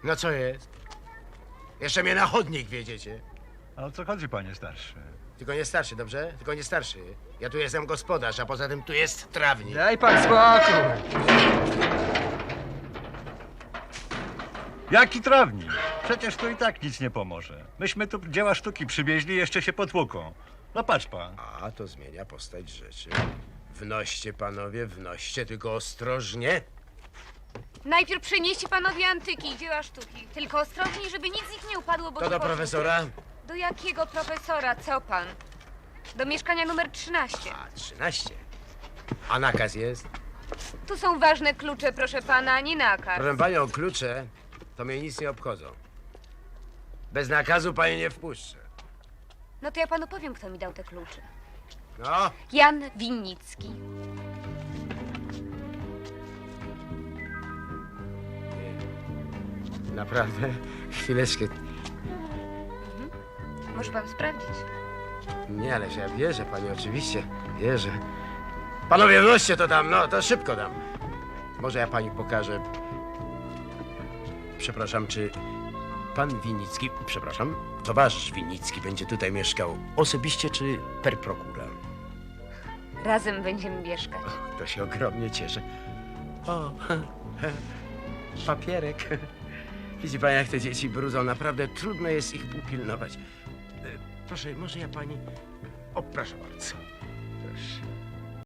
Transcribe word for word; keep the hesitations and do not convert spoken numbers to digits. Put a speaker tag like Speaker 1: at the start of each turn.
Speaker 1: No co jest? Jeszcze mnie na chodnik wiedziecie.
Speaker 2: A o co chodzi, panie starszy?
Speaker 1: Tylko nie starszy, dobrze? Tylko nie starszy. Ja tu jestem gospodarz, a poza tym tu jest trawnik.
Speaker 3: Daj pan spokój.
Speaker 2: Jaki trawnik? Przecież tu i tak nic nie pomoże. Myśmy tu dzieła sztuki przywieźli, jeszcze się potłuką. No patrz pan.
Speaker 1: A, to zmienia postać rzeczy. Wnoście, panowie, wnoście, tylko ostrożnie.
Speaker 4: Najpierw przenieście panowie antyki i dzieła sztuki. Tylko ostrożniej, żeby nic z nich nie upadło, bo
Speaker 1: To
Speaker 4: się
Speaker 1: do
Speaker 4: poszło.
Speaker 1: profesora?
Speaker 4: Do jakiego profesora? Co pan? Do mieszkania numer trzynaście.
Speaker 1: A, trzynaście. A nakaz jest?
Speaker 4: Tu są ważne klucze, proszę pana, nie nakaz.
Speaker 1: Proszę panią, klucze to mnie nic nie obchodzą. Bez nakazu pani nie wpuszczę.
Speaker 4: No to ja panu powiem, kto mi dał te klucze.
Speaker 1: No,
Speaker 4: Jan Winnicki.
Speaker 1: naprawdę? Chwileczkę.
Speaker 4: Może pan sprawdzić.
Speaker 1: Nie, ale ja wierzę pani, oczywiście. Wierzę. Panowie, wnoście to tam, no, to szybko dam. Może ja pani pokażę. Przepraszam, czy pan Winnicki, przepraszam, towarzysz Winnicki będzie tutaj mieszkał osobiście czy per procura?
Speaker 4: Razem będziemy mieszkać.
Speaker 1: To się ogromnie cieszę. O, papierek. Widzi pani, jak te dzieci brudzą. Naprawdę trudno jest ich upilnować. E, Proszę, może ja pani... O, proszę bardzo. Proszę.